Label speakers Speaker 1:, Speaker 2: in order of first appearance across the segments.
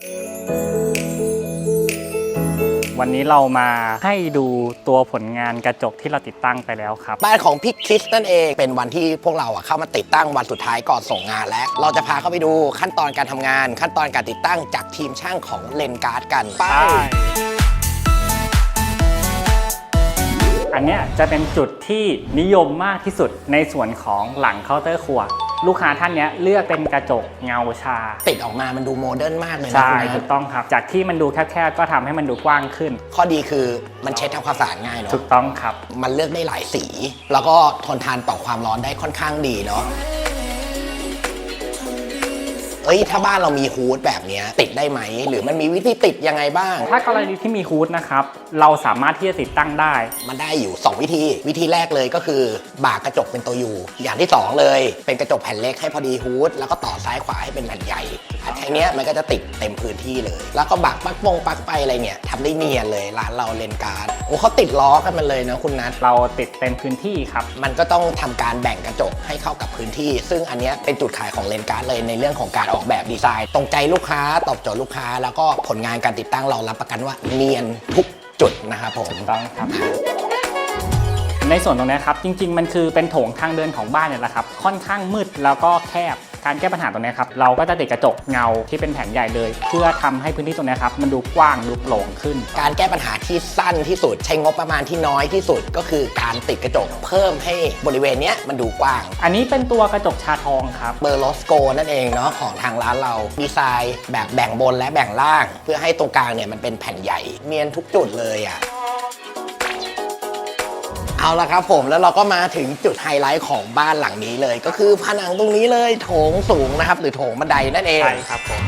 Speaker 1: วันนี้เรามาให้ดูตัวผลงานกระจกที่เราติดตั้งไปแล้วครับ
Speaker 2: บ้านของพี่คริสนั่นเองเป็นวันที่พวกเราเข้ามาติดตั้งวันสุดท้ายก่อนส่งงานแล้วเราจะพาเข้าไปดูขั้นตอนการทำงานขั้นตอนการติดตั้งจากทีมช่างของเลนการ์ดกันไป
Speaker 1: อันนี้จะเป็นจุดที่นิยมมากที่สุดในส่วนของหลังเคาน์เตอร์ครัวลูกค้าท่านนี้เลือกเป็นกระจกเงาชา
Speaker 2: ติดออกมามันดูโมเดิร์นมากเลยนะ
Speaker 1: ใช่ถูกต้องครับจากที่มันดูแคบๆก็ทำให้มันดูกว้างขึ้น
Speaker 2: ข้อดีคือมันเช็ดทำความสะอาดง่ายเนาะ
Speaker 1: ถูกต้องครับ
Speaker 2: มันเลือกได้หลายสีแล้วก็ทนทานต่อความร้อนได้ค่อนข้างดีเนาะถ้าบ้านเรามีฮูดแบบนี้ติดได้ไหมหรือมันมีวิธีติดยังไงบ้าง
Speaker 1: ถ้ากรณีที่มีฮูดนะครับเราสามารถที่จะติดตั้งได้
Speaker 2: มันได้อยู่2วิธีแรกเลยก็คือบ่ากระจกเป็นตัวยูอย่างที่2เลยเป็นกระจกแผ่นเล็กให้พอดีฮูดแล้วก็ต่อซ้ายขวาให้เป็นแผ่นใหญ่แค่นี้มันก็จะติดเต็มพื้นที่เลยแล้วก็บักปลั๊กไปอะไรเนี่ยทำได้เนียนเลยร้านเราเลนการ์ดเขาติดล้อกันมันเลยนะคุณนัท
Speaker 1: เราติดเต็มพื้นที่ครับ
Speaker 2: มันก็ต้องทำการแบ่งกระจกให้เข้ากับพื้นที่ซึ่งอันนี้เป็นจุดขายของเลนการ์ดเลยในเรื่องของการออกแบบดีไซน์ตรงใจลูกค้าตอบโจทย์ลูกค้าแล้วก็ผลงานการติดตั้งเรารับประกันว่าเนียนทุกจุดนะครับผม
Speaker 1: ถูกต้องครับในส่วนตรงนี้ครับจริงๆมันคือเป็นโถงทางเดินของบ้านเนี่ยแหละครับค่อนข้างมืดแล้วก็แคบการแก้ปัญหาตรงนี้ครับเราก็จะติดกระจกเงาที่เป็นแผ่นใหญ่เลยเพื่อทำให้พื้นที่ตรงนี้ครับมันดูกว้างดูโปร่งขึ้น
Speaker 2: การแก้ปัญหาที่สั้นที่สุดใช้งบประมาณที่น้อยที่สุดก็คือการติดกระจกเพิ่มให้บริเวณนี้มันดูกว้าง
Speaker 1: อันนี้เป็นตัวกระจกชาทองครับ
Speaker 2: เบอร์ลอสโกนั่นเองเนาะของทางร้านเราดีไซน์แบบแบ่งบนและแบ่งล่างเพื่อให้ตรงกลางเนี่ยมันเป็นแผ่นใหญ่เนียนทุกจุดเลยเอาละครับผมแล้วเราก็มาถึงจุดไฮไลท์ของบ้านหลังนี้เลยก็คือผนังตรงนี้เลยโถงสูงนะครับหรือโถงบันไดนั่นเอง
Speaker 1: ใช่ครับผม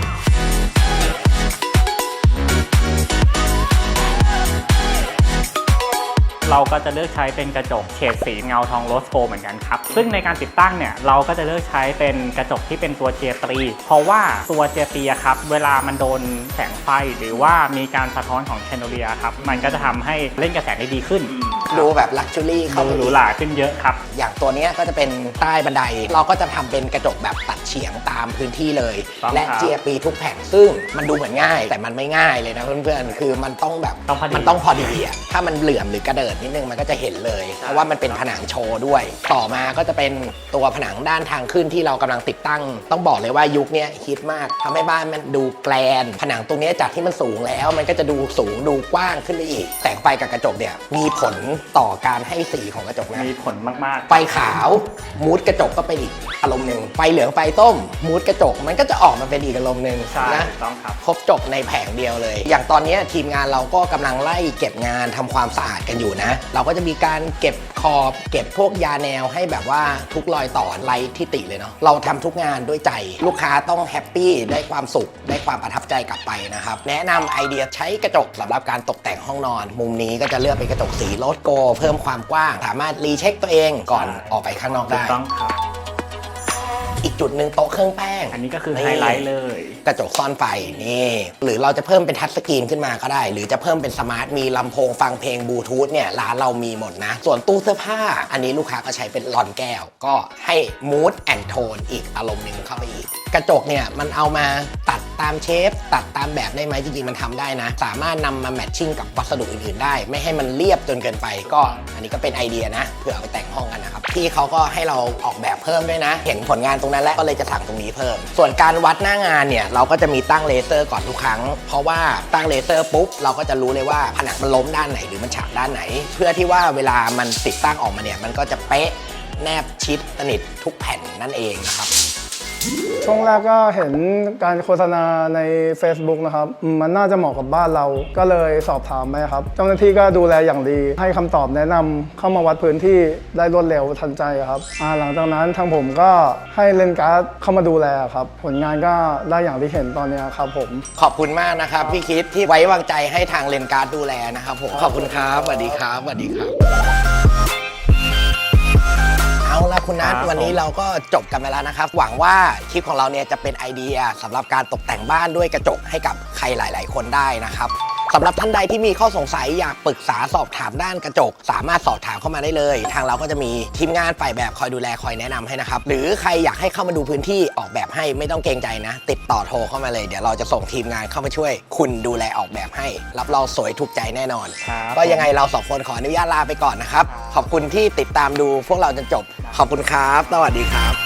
Speaker 1: เราก็จะเลือกใช้เป็นกระจกเฉดสีเงาทองโรสโกเหมือนกันครับซึ่งในการติดตั้งเนี่ยเราก็จะเลือกใช้เป็นกระจกที่เป็นตัวเจียตรีเพราะว่าตัวเจียตรีครับเวลามันโดนแสงไฟหรือว่ามีการสะท้อนของแชนโดเลียครับมันก็จะทำให้เล่นกับแสงได้ดีขึ้น
Speaker 2: ดูแบบลักชัวรี่เข้า
Speaker 1: ดูหรูหราขึ้นเยอะครับ
Speaker 2: อย่างตัวนี้ก็จะเป็นใต้บันไดเราก็จะทำเป็นกระจกแบบตัดเฉียงตามพื้นที่เลยและเจียปีทุกแผ่นซึ่งมันดูเหมือนง่ายแต่มันไม่ง่ายเลยนะเพื่อนๆคือมันต้องแบบมันต้องพอดีถ้ามันเหลื่อมหรือกระเดิดนิดนึงมันก็จะเห็นเลยเพราะว่ามันเป็นผนังโชว์ด้วยต่อมาก็จะเป็นตัวผนังด้านทางขึ้นที่เรากำลังติดตั้งต้องบอกเลยว่ายุคนี้ฮิตมากทำให้บ้านมันดูแกลนผนังตรงนี้จากที่มันสูงแล้วมันก็จะดูสูงดูกว้างขึ้นไปอีกแสงไฟกับกระจกเนี่ยมีผลต่อการให้สีของกระจกนะ
Speaker 1: มีผลมาก
Speaker 2: ๆไฟขาวมูดกระจกก็เป็นอีกอารมณ์หนึ่งไฟเหลืองไฟต้มมูดกระจกมันก็จะออกมาเป็นอีกอารมณ์หนึ่ง
Speaker 1: นะต้องครับ
Speaker 2: ครบจบในแผงเดียวเลยอย่างตอนนี้ทีมงานเราก็กำลังไล่เก็บงานทำความสะอาดกันอยู่นะเราก็จะมีการเก็บขอบเก็บพวกยาแนวให้แบบว่าทุกรอยต่อไร้ที่ติเลยเนาะเราทำทุกงานด้วยใจลูกค้าต้องแฮปปี้ได้ความสุขได้ความประทับใจกลับไปนะครับแนะนำไอเดียใช้กระจกสำหรับการตกแต่งห้องนอนมุมนี้ก็จะเลือกเป็นกระจกสีโรสโกเพิ่มความกว้างสามารถรีเช็คตัวเองก่อนออกไปข้างนอกได้
Speaker 1: ต้องครับ
Speaker 2: อีกจุดหนึ่งโต๊ะเครื่องแป้ง
Speaker 1: อันนี้ก็คือไฮไลท์เลย
Speaker 2: กระจกซ่อนไฟนี่หรือเราจะเพิ่มเป็นทัชสกรีนขึ้นมาก็ได้หรือจะเพิ่มเป็นสมาร์ทมีลำโพงฟังเพลงบลูทูธเนี่ยร้านเรามีหมดนะส่วนตู้เสื้อผ้าอันนี้ลูกค้าก็ใช้เป็นหลอนแก้วก็ให้มูดแอนด์โทนอีกอารมณ์หนึ่งเข้าไปอีกกระจกเนี่ยมันเอามาตัดตามเชฟตัดตามแบบได้ไหมจริงๆมันทำได้นะสามารถนำมาแมทชิ่งกับวัสดุอื่นๆได้ไม่ให้มันเรียบจนเกินไปก็อันนี้ก็เป็นไอเดียนะเผื่อเอาไปแต่งห้องกันนะครับพี่เขาก็ให้เราออกแบบเพิ่มด้วยนะเห็นผลงานตรงนั้นแล้วก็เลยจะสั่งตรงนี้เพิ่มส่วนการวัดหน้างานเนี่ยเราก็จะมีตั้งเลเซอร์ก่อนทุกครั้งเพราะว่าตั้งเลเซอร์ปุ๊บเราก็จะรู้เลยว่าผนังมันล้มด้านไหนหรือมันฉากด้านไหนเพื่อที่ว่าเวลามันติดตั้งออกมาเนี่ยมันก็จะเป๊ะแนบชิดสนิททุกแผ่นนั่นเองนะครับ
Speaker 3: ช่วงแรกก็เห็นการโฆษณาใน Facebook นะครับมันน่าจะเหมาะกับบ้านเราก็เลยสอบถามไปครับเจ้าหน้าที่ก็ดูแลอย่างดีให้คำตอบแนะนำเข้ามาวัดพื้นที่ได้รวดเร็วทันใจครับหลังจากนั้นทางผมก็ให้เลนการ์ดเข้ามาดูแลครับผลงานก็ได้อย่างที่เห็นตอนนี้ครับผม
Speaker 2: ขอบคุณมากนะครับพี่คิดที่ไว้วางใจให้ทางเลนการ์ดดูแลนะครับผมขอบคุณครับสวัสดีครับสวัสดีครับเอาละคุณนัทวันนี้เราก็จบกันไปแล้วนะครับหวังว่าคลิปของเราเนี่ยจะเป็นไอเดียสำหรับการตกแต่งบ้านด้วยกระจกให้กับใครหลายๆคนได้นะครับสำหรับท่านใดที่มีข้อสงสัยอยากปรึกษาสอบถามด้านกระจกสามารถสอบถามเข้ามาได้เลยทางเราก็จะมีทีมงานฝ่ายแบบคอยดูแลคอยแนะนำให้นะครับหรือใครอยากให้เข้ามาดูพื้นที่ออกแบบให้ไม่ต้องเกรงใจนะ ติดต่อโทรเข้ามาเลยเดี๋ยวเราจะส่งทีมงานเข้ามาช่วยคุณดูแลออกแบบให้รับรองสวยถูกใจแน่นอน
Speaker 1: ครับ
Speaker 2: ก็ยังไงเรา2 คนขออนุญาตลาไปก่อนนะครับขอบคุณที่ติดตามดูพวกเราจนจบขอบคุณครับสวัสดีครับ